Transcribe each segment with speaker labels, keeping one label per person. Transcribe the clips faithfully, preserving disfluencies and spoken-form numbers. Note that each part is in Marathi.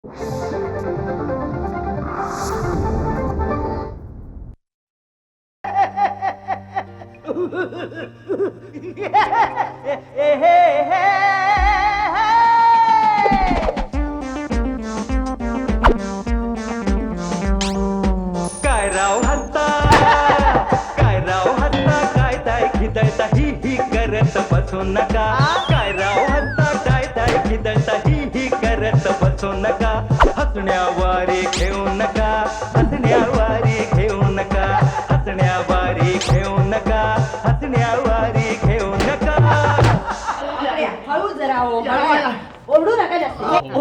Speaker 1: काय राव हत्ता काय राव हत्ता काय ताय खिदळता ही ही करत बसू नका काय राव हत्ता काय ताय खिदळता ही ही करत बसू नका हसण्यावारे घेऊ नका हसण्यावारे घेऊ नका हसण्यावारे घेऊ नका हसण्यावारे घेऊ नका
Speaker 2: हळू जरा ओरडू नका जास्त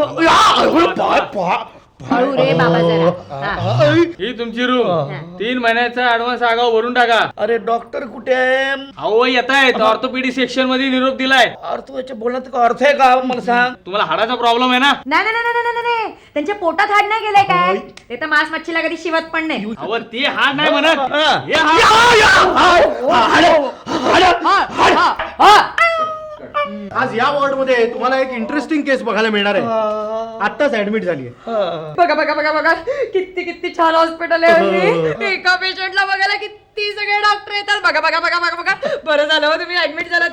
Speaker 2: हळू रे बाबा जरा.
Speaker 3: ही तुमची रूम तीन महिन्याचा ऍडव्हान्स आगाव भरून टाका.
Speaker 4: अरे डॉक्टर कुठे आहे?
Speaker 3: अहो येत आहेत ऑर्थोपेडिक सेक्शन मध्ये निरोप दिलाय.
Speaker 4: अर्थ याच्या बोलण्यात का अर्थ आहे का मला सांग?
Speaker 3: तुम्हाला हाडाचा प्रॉब्लेम आहे ना?
Speaker 2: नाही नाही नाही नाही नाही त्यांच्या पोटात हाड नाही गेलंय काय ते तर मांस मच्छीला कधी शिवत पण नाही.
Speaker 3: अहो ते हाड नाही म्हणत हे हाड.
Speaker 5: आज या वॉर्ड मध्ये तुम्हाला एक इंटरेस्टिंग केस बघायला मिळणार आहे. आत्ताच ऍडमिट झाली आहे.
Speaker 2: बघा बघा बघा बघा किती किती छान हॉस्पिटल आहे. एका पेशंटला बघायला किती सगळे डॉक्टर येतात. बघा बघा बघा बघा बघा बरं झालं हो तुम्ही ऍडमिट झालात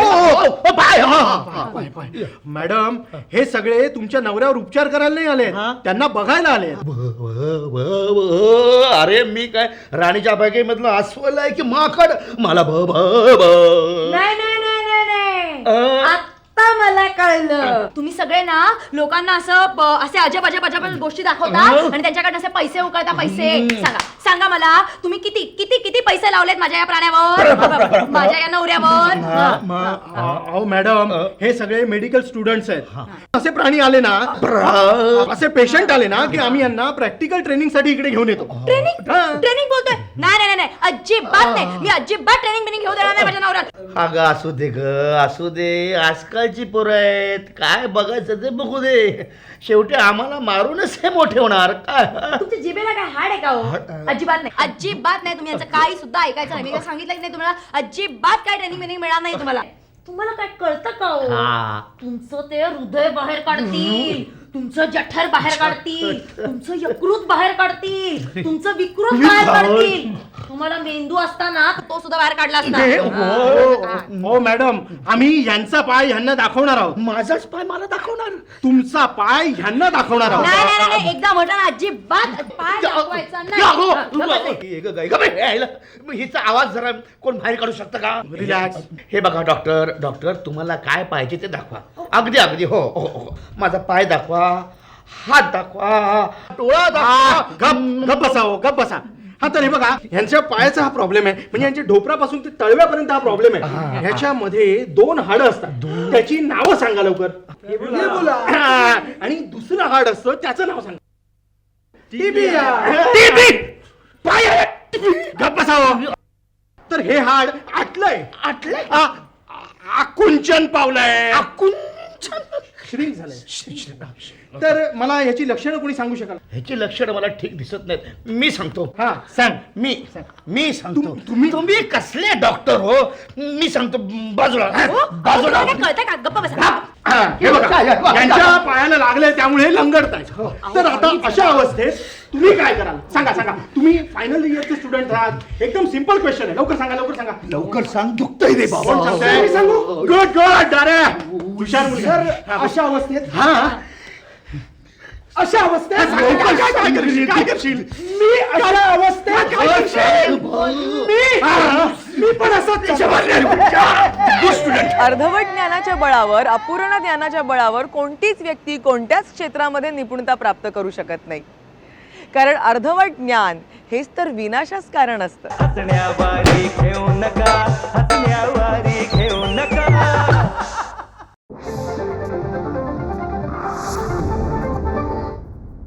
Speaker 2: ते.
Speaker 5: मॅडम हे सगळे तुमच्या नवऱ्यावर उपचार करायला नाही आले, त्यांना बघायला आले.
Speaker 4: अरे मी काय राणीच्या बागेमधलं अस्वल आहे की माकड? मला भ भ भ
Speaker 2: नाही नाही नाही नाही नाही आता मला कळलं. तुम्ही सगळे ना लोकांना असं ब- असे अजब अजब अजब गोष्टी दाखवता आणि त्यांच्याकडनं असे पैसे उकळता. पैसे सांगा सांगा मला तुम्ही किती किती किती पैसे लावलेत माझ्या या प्राण्यावर माझ्या या नवऱ्यावर.
Speaker 5: अहो मॅडम हे सगळे मेडिकल स्टुडंट्स आहेत. असे प्राणी आले ना, असे पेशंट आले ना की आम्ही यांना प्रॅक्टिकल ट्रेनिंग साठी इकडे घेऊन येतो.
Speaker 2: ट्रेनिंग ट्रेनिंग बोलतोय? नाही नाही नाही अजिबात नाही. मी अजिबात ट्रेनिंग बिनिंग घेऊ देणार नाही माझ्या नवऱ्यात.
Speaker 4: अगं असू दे ग असू दे. आजकालची पोरं आहेत, काय बघायचं ते बघू दे. शेवटी आम्हाला मारूनच हे मोठे होणार. काय
Speaker 2: तुमच्या जिभेला काय हाड आहे का हो? अजिबात नाही अजिबात नाही. तुम्ही यांचं काही सुद्धा ऐकायचं नाही. मी काय सांगितलं नाही तुम्हाला? अजिबात काय ट्रेनिंग बिनिंग मिळणार नाही तुम्हाला. तुम्हाला काय कळतं का हो? तुमचं ते हृदय बाहेर काढतील, तुमचं जठर बाहेर काढतील, तुमचं यकृत बाहेर काढतील, तुमचं विकृत बाहेर काढतील. तुम्हाला मेंदू असताना तो सुद्धा बाहेर काढला असता.
Speaker 5: हो मॅडम आम्ही यांचा पाय ह्यांना दाखवणार आहोत.
Speaker 4: माझाच पाय मला दाखवणार?
Speaker 5: तुमचा पाय ह्यांना दाखवणार आहोत.
Speaker 2: नाही नाही नाही एकदा म्हटलं ना अजिबात पाय दाखवायचा नाही.
Speaker 4: हिचा आवाज जरा कोण बाहेर काढू शकतं का?
Speaker 5: रिलॅक्स.
Speaker 4: हे बघा डॉक्टर डॉक्टर तुम्हाला काय पाहिजे ते दाखवा. अगदी अगदी हो हो हो. माझा पाय दाखवा, हात दाखवा, डोळा दाखवा.
Speaker 5: गप गप बसा हो, गप बसा. हा तर हे बघा ह्यांच्या पायाचा हा प्रॉब्लेम आहे. म्हणजे यांच्या ढोपरापासून ते तळव्यापर्यंत हा प्रॉब्लेम आहे. ह्याच्यामध्ये दोन हाडं असतात, त्याची नावं सांगा लवकर. आणि दुसरं हाड असतं त्याचं नाव सांगा. पाय गप बसा हो. तर हे हाड आटलंय
Speaker 4: आटलंय
Speaker 5: आकुंचन पावलंय,
Speaker 4: आकुंचन
Speaker 5: श्रीक झालंय. तर मला याची लक्षणं कोणी सांगू शकाल?
Speaker 4: ह्याची लक्षणं मला ठीक दिसत नाहीत. मी सांगतो.
Speaker 5: हा सांग.
Speaker 4: मी मी सांगतो.
Speaker 5: तुम्ही
Speaker 4: तुम्ही कसले डॉक्टर हो? मी सांगतो. बाजूला
Speaker 2: बाजूला कळतंय का? गप्पा बसा.
Speaker 5: हे बघा यांच्या पायाला लागले त्यामुळे लंगडतायत. तर आता अशा अवस्थेत तुम्ही काय कराल सांगा सांगा. तुम्ही फायनल इयरचे स्टुडंट आहात. एकदम सिंपल क्वेश्चन आहे. लवकर सांगा लवकर सांगा.
Speaker 4: लवकर सांग. दुखतंय रे बाबा.
Speaker 5: कोण सांगतंय? मी सांगू? गुड गुड अरे हुशार मुलगा. अशा अवस्थेत हा अशा अवस्थेत काय करशील काय करशील? मी अशा अवस्थेत काय करशील? मी मी पण असंच
Speaker 6: अर्धवट ज्ञानाच्या बळावर, अपूर्ण ज्ञानाच्या बळावर कोणतीच व्यक्ती कोणत्याच क्षेत्रामध्ये निपुणता प्राप्त करू शकत नाही. कारण अर्धवट ज्ञान हेच तर विनाशास कारण असतं.
Speaker 1: हसण्यावारे घेऊ नका